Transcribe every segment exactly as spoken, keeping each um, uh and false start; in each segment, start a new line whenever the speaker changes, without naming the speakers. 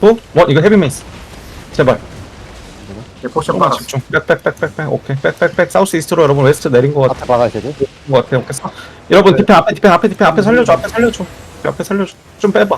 또? 원 이거 헤비 메이스 제발
예, 포션
조금만
빨았어.
집중 백백백백백 오케이 백백백 사우스 이스트로 여러분 웨스트 내린 거 같아
앞에 박아야 되지?
것 같아 오케이 사- 여러분 디펜 앞에 디펜 앞에 디펜 앞에 살려줘 앞에 살려줘 앞에 살려줘 좀 빼봐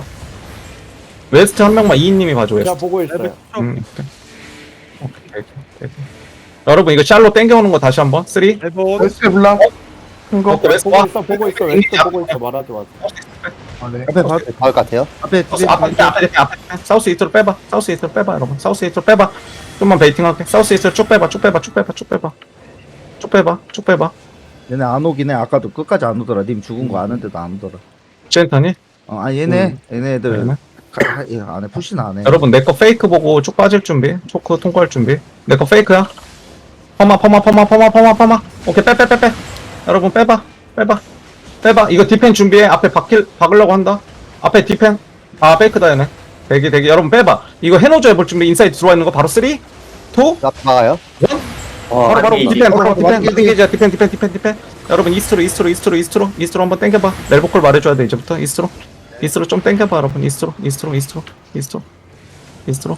웨스트 한 명만 이인님이 봐줘 웨스트
제가 보고 있어요.
음, 오케이 오케이 오케이 오케이 여러분 이거 샬로 땡겨오는 거 다시 한번 쓰리
해본
웨스트 블랑. 큰 거.
오케이 웨스트
보고
와
있어, 보고 있어, 왼쪽 보고 있어, 말하지 마.
아, 네.
앞에 봐.
박을 것 같아요?
앞에
사우스 앞에 앞에 앞에 앞에 앞에 사우스 이스트로 빼봐 사우스 이스트로 빼봐 여러분 사우스 이스트로 빼봐 좀만 베이팅 할게 사우스 이스트로 쭉 빼봐 쭉 빼봐 쭉 빼봐 쭉 빼봐 쭉 빼봐 쭉 빼봐
얘네 안 오긴 해. 아까도 끝까지 안 오더라. 님 죽은 거 아는데도 안 오더라.
젠타니
어, 아 얘네 얘네들
얘네.
가- 하- 얘 안에 푸시는 안 해.
여러분 내 거 페이크 보고 쭉 빠질 준비 초크 통과할 준비 내 거 페이크야 퍼마 퍼마 퍼마 퍼마 퍼마 퍼마 오케이 빼 빼 빼빼 여러분 빼봐 빼봐 빼봐 이거 디펜 준비해 앞에 박힐 박으려고 한다 앞에 디펜 아 페이크다 얘네 대기 대기 여러분 빼봐 이거 해노저 해볼 준비 인사이드 들어와 있는 거 바로 쓰리 투
앞에 박아요?
원
어,
바로 바로
아니,
디펜 바로
어,
디펜
완전
디펜 디펜 디펜 디펜 디펜 여러분 이스트로 이스트로 이스트로 이스트로 이스트로 한번 땡겨봐 멜보콜 말해줘야 돼 이제부터 이스트로 이스트로 좀 땡겨봐 여러분 이스트로 이스트로 이스트로 이스트로 이스트로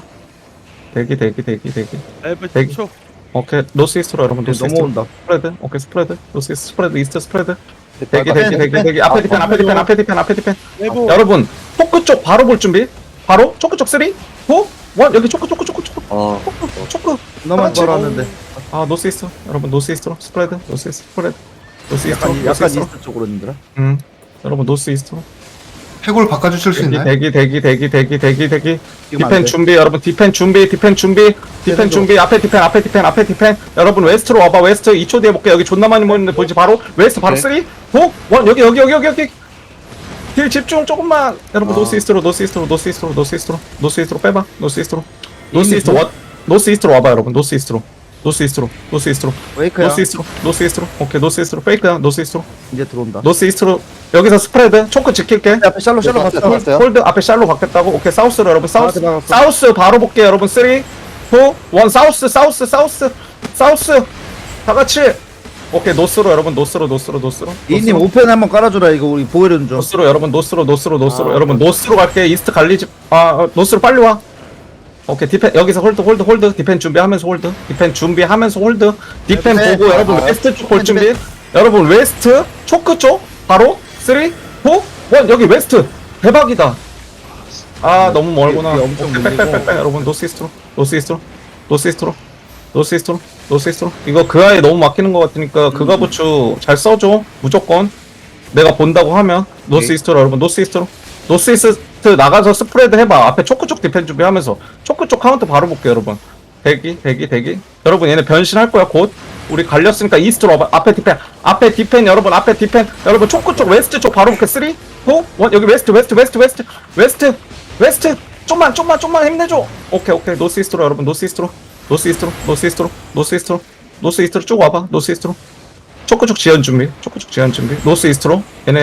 대기 대기 대기 대기
엘브
대기.
십 초.
오케이 노스 이스트로 여러분 노스 이스트로
넘어온다.
스프레드 오케이 스프레드 노스 이스트 스프레드 이스트 스프레드
대기,
대기 대기 대기 대기 앞에 디펜 앞에 디펜 앞에 디펜 앞에 디펜
해본
여러분 초크 쪽 바로 볼 준비 바로 초크 쪽 쓰리 포 원 여기 초크 초크 초크 초크
어,
초크 초크
너만
그렇지.
걸었는데
아 노스 이스트 여러분 노스 이스트로 스프레드 노스 이스트 스프레드 노스 이스트로
약간
노스
약간
이스트로
이스트 쪽으로 힘들어.
음 여러분 노스 이스트로
해골 바꿔주실 수
대기
있나요?
대기 대기 대기 대기 대기 대기
지금 안
디펜
돼.
준비 여러분 디펜 준비 디펜 준비 디펜
계속.
준비 앞에 디펜 앞에 디펜 앞에 디펜 여러분 웨스트로 와봐 웨스트 이 초 뒤에 볼게 여기 존나 많이 모이는데 보이지 바로 웨스트 바로
네.
쓰리 포 원 여기 여기 여기 여기 여기 딜 집중 조금만 여러분
아.
노스 이스트로 노스 이스트로 노스 이스트로 노스 이스트로 노스 이스트로 빼봐 노스 이스트로 노스 이스트 원 노스 이스트로 와봐 여러분 노스 이스트로 노스 이스트로 노스 이스트로
웨이크야.
노스 이스트로 노스 이스트로 오케이 노스 이스트로 페이크야 노스 이스트로
이제 들어온다.
노스 이스트로 여기서 스프레드 초크 지킬게
앞에 샬로 샬로
봤어요,
갔다.
봤어요.
홀드 앞에 샬로 바뀌었다고 오케이 사우스로 여러분 사우스
아, 들어갔어.
사우스 바로 볼게요 여러분 쓰리 투 원 사우스 사우스 사우스 사우스 다 같이 오케이 노스로 여러분 노스로 노스로 노스로
이님
노스로,
오펜 한번 깔아줘라. 이거 우리 보이는 좀.
노스로 여러분 노스로 노스로 노스로
아,
여러분 노스로 갈게 이스트 갈리지 아 어, 노스로 빨리 와 오케이 디펜 여기서 홀드 홀드 홀드 디펜 준비하면서 홀드 디펜 준비하면서 홀드 디펜
네,
보고
네.
여러분
아,
웨스트 쪽 볼
네,
준비 여러분 웨스트 초크 쪽 바로 쓰리 포 원 여기 웨스트 대박이다 아 너무 멀구나
이게 엄청
오케이,
밀리고.
빽빽빽빽 여러분 노스이스트로 노스이스트로 노스이스트로 노스이스트로 노스이스트로 이거 그 아예 너무 막히는 것 같으니까 그가 부츠 잘 써줘 무조건 내가 본다고 하면 노스이스트로 여러분 노스이스트로 노스이스트 나가서 스프레드 해봐 앞에 초크 쪽 디펜 준비하면서 초크 쪽 카운트 바로 볼게요 여러분 대기 대기 대기 여러분 얘네 변신할 거야 곧 우리 갈렸으니까 이스트로 와봐 앞에 디펜 앞에 디펜 여러분 앞에 디펜 여러분 초크 쪽 웨스트 쪽 바로 볼게 쓰리 포 원 여기 웨스트 웨스트 웨스트 웨스트 웨스트 웨스트 좀만 좀만 좀만 힘내줘 오케이 오케이 노스이스트로 여러분 노스이스트로 노스이스트로 노스이스트로 노스이스트로 노스이스트로 쭉 와봐 노스이스트로 초크 쪽 지연 준비 초크 쪽 지연 준비 노스이스트로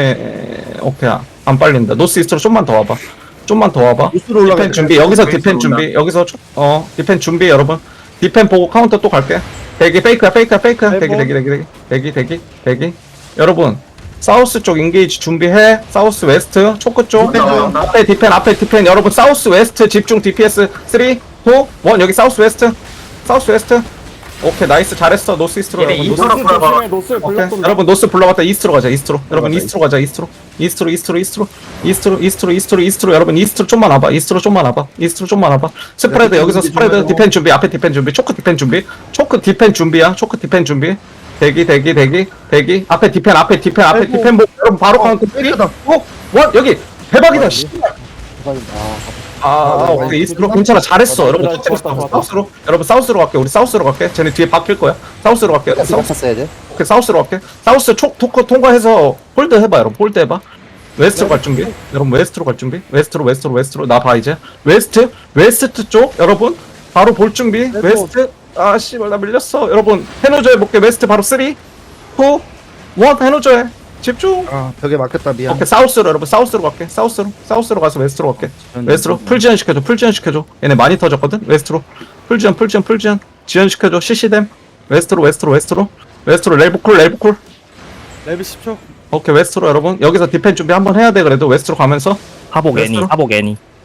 얘네 오케이 안 빨린다 노스이스트로 좀만 더 와봐 좀만 더 와봐
노스로 올라가.
디펜 준비 여기서
웨스트로
디펜
온다.
준비 여기서 초- 어 디펜 준비 여러분 디펜 보고 카운터 또 갈게 대기 페이크야 페이크야 페이크야 대기 대기 대기 대기 대기 대기 대기 여러분 사우스 쪽 인게이지 준비해 사우스 웨스트 초크 쪽
디펜 나온다.
앞에 디펜 앞에 디펜 여러분 사우스 웨스트 집중 디피에스 쓰리 투 원 여기 사우스 웨스트 사우스 웨스트 오케이 나이스 잘했어 노스 이스트로
얘네
여러분 노스
이스트로
노스
봐봐.
조심해, 노스
오케이
불렀던데.
여러분 노스 불러갔다 이스트로 가자 이스트로 여러분
가자,
이스트로 가자 이스트로 이스트로 이스트로 이스트로 이스트로 이스트로 이스트로 이스트로 여러분 이스트로 좀만 와봐 이스트로 좀만 와봐 이스트로 좀만 와봐 스프레드
네,
여기서
준비
스프레드
좀
디펜 준비 앞에 디펜 준비 초크 디펜 준비 초크 디펜 준비야 초크 디펜 준비 대기 대기 대기 대기 앞에 디펜 앞에 디펜 앞에
아이고.
디펜 보고 여러분 바로
어,
카운트 쓰리
페이크다.
원 여기 대박이다 씨.
대박이다.
아, 아,
네,
오케이.
네.
이스트로 괜찮아. 잘했어.
어,
여러분,
좋았다,
첫째로
좋았다, 좋았다.
사우스로. 여러분, 사우스로 갈게. 우리 사우스로 갈게. 쟤네 뒤에 바뀔 거야. 사우스로 갈게.
사우스
사우스,
쳤어야 돼.
오케이, 사우스로 갈게. 사우스 촉, 토크 통과해서 홀드 해봐, 여러분. 홀드 해봐. 웨스트로 갈 준비. 여러분, 웨스트로 갈 준비. 웨스트로, 웨스트로, 웨스트로. 나 봐, 이제. 웨스트, 웨스트 쪽, 여러분. 바로 볼 준비. 웨스트. 아, 씨발, 나 밀렸어. 여러분, 해노저 해볼게. 웨스트 바로 쓰리, 투, 원, 해노저 해. 집중.
아 벽에 막혔다 미안.
오케이 사우스로 여러분 사우스로 갈게 사우스로 사우스로 가서 웨스트로 갈게 웨스트로 풀 지연 시켜줘 풀 지연 시켜줘 얘네 많이 터졌거든 웨스트로 풀 지연 풀 지연 풀 지연 지연 시켜줘 시시댐 웨스트로 웨스트로 웨스트로 웨스트로 렐브콜 렐브콜
엘브 십 초.
오케이 웨스트로 여러분 여기서 디펜 준비 한번 해야 돼 그래도 웨스트로 가면서
하복 애니,
웨스트로?
하복 애니.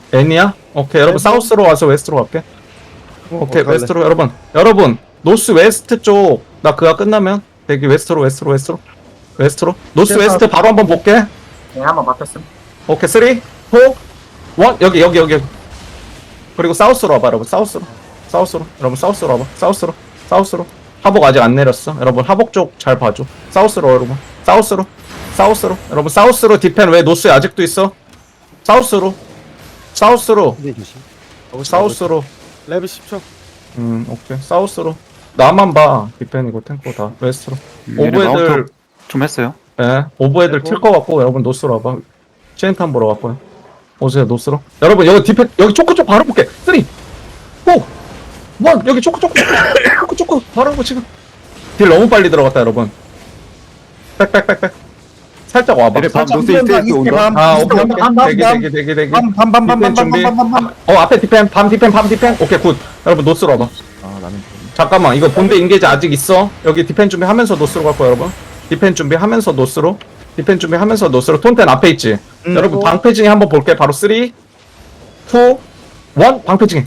N이야? 오케이 여러분
네,
사우스로 와서 웨스트로 갈게. 오케이
어떡할래?
웨스트로 여러분 여러분 노스 웨스트 쪽 나 그가 끝나면 대기 웨스트로 웨스트로 웨스트로 웨스트로 노스
시작.
웨스트 바로 한번 볼게.
네, 한번 맡겼음.
오케이 쓰리 포 원 여기 여기 여기 여기 그리고 사우스로 와봐 여러분 사우스로 사우스로 여러분 사우스로 와봐 사우스로 사우스로 하복 아직 안 내렸어 여러분 하복 쪽 잘 봐줘 사우스로 여러분 사우스로 사우스로 여러분 사우스로 디펜 왜 노스에 아직도 있어 사우스로 사우스로
근데 조심.
사우스로
레벨 십 초.
음 오케이 사우스로 나만 봐 디펜이고 탱고 다 웨스트로 오브 애들
좀 했어요.
예 오브 애들 튈 거 같고 여러분 노스로 와봐 체인탄 보러 왔고요 오세요 노스로 여러분 여기 디펜 여기 초코 쪽 바로 볼게 쓰리 포 원 여기 초코 초코 초코 초코 바로 보고 지금 딜 너무 빨리 들어갔다 여러분 백백백백 살짝 와봐
얘네 밤
살짝.
노스 이스트 온다.
아 오케이 오케이 대기 대기 대기 대기 디펜 준비
밤밤밤밤밤밤밤밤밤.
어 앞에 디펜 밤 디펜 밤 디펜 오케이 굿 여러분 노스로 와봐
아 나는
잠깐만 이거 본대 인게이지 아직 있어 여기 디펜 준비하면서 노스로 갈 거야 여러분 디펜 준비하면서 노스로 디펜 준비하면서 노스로 톤텐 앞에 있지
음.
여러분 방패징이 한번 볼게 바로 쓰리 이 일 방패징이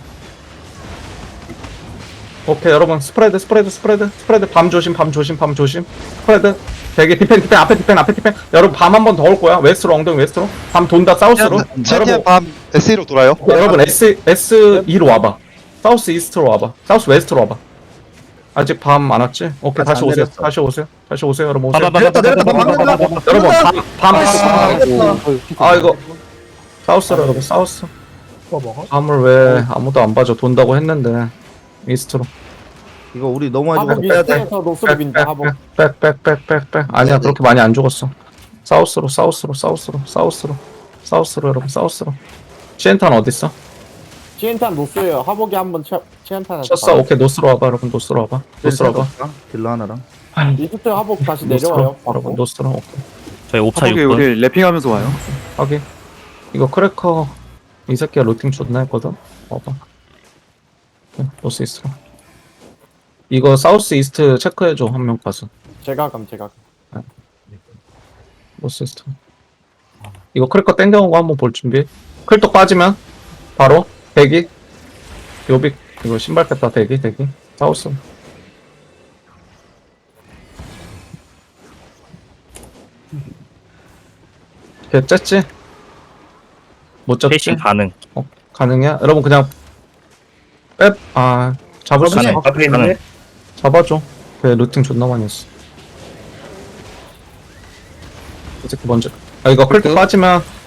오케이 여러분 스프레드 스프레드 스프레드 스프레드 밤 조심 밤 조심 밤 조심 스프레드 되게 디펜 디펜 앞에 디펜 앞에 디펜 여러분 밤 한 번 더 올 거야 웨스트로 엉덩이 웨스트로 밤 돈다 사우스로
최대한 밤 에스이로 돌아요.
여러분 S S E로 와봐. 사우스 이스트로 와봐. 사우스 웨스트로 와봐. 아직 밤 안 왔지? 오케이
아직
다시
안
오세요.
내렸어.
다시 오세요. 다시 오세요. 여러분 오세요.
내렸다 내렸다 밤 내렸다.
여러분 밤 밤.
내렸다.
아 이거 사우스로 여러분 사우스.
뭐 먹어?
밤을 왜 아무도 안 봐줘 돈다고 했는데 이스트로.
이거 우리 너무 하지
하복
말고 빼야 돼.
이스트에서 노스로 빈다 하복.
백백백백백백 아니야 그렇게 많이 안 죽었어. 사우스로 사우스로 사우스로 사우스로 사우스로 여러분 사우스로. 시엔탄 어디 있어?
치엔탄 노스예요. 하복이 한번 치엔탄에서.
쳤어. 오케이 노스로 와봐 여러분 노스로 와봐. 노스로 와봐.
딜러 하나랑.
이스트 하복 다시
노스로
내려와요.
여러분
바로.
노스로 오케이.
저희 옵차
하복에
육 번.
우리 랩핑하면서 와요.
하긴 이거 크래커 이 새끼가 루팅 존나 했거든 봐봐 노스 이스트로 이거 사우스 이스트 체크해줘 한 명 가서
제가 감 제가. 감.
노스 이스트 이거 크래커 땡겨온 거 한번 볼 준비 클떡 빠지면 바로 대기 요빅 이거 신발 뺐다 대기 대기 사우스 걔 쨌지? 못 잡지?
페이싱 가능.
어, 가능해? 여러분 그냥 뺍, 아 잡을 수 있어
가능. 가능.
잡아줘 그 루팅 존나 많이 했어 이 새끼 먼저 아 이거 클릭 빠지면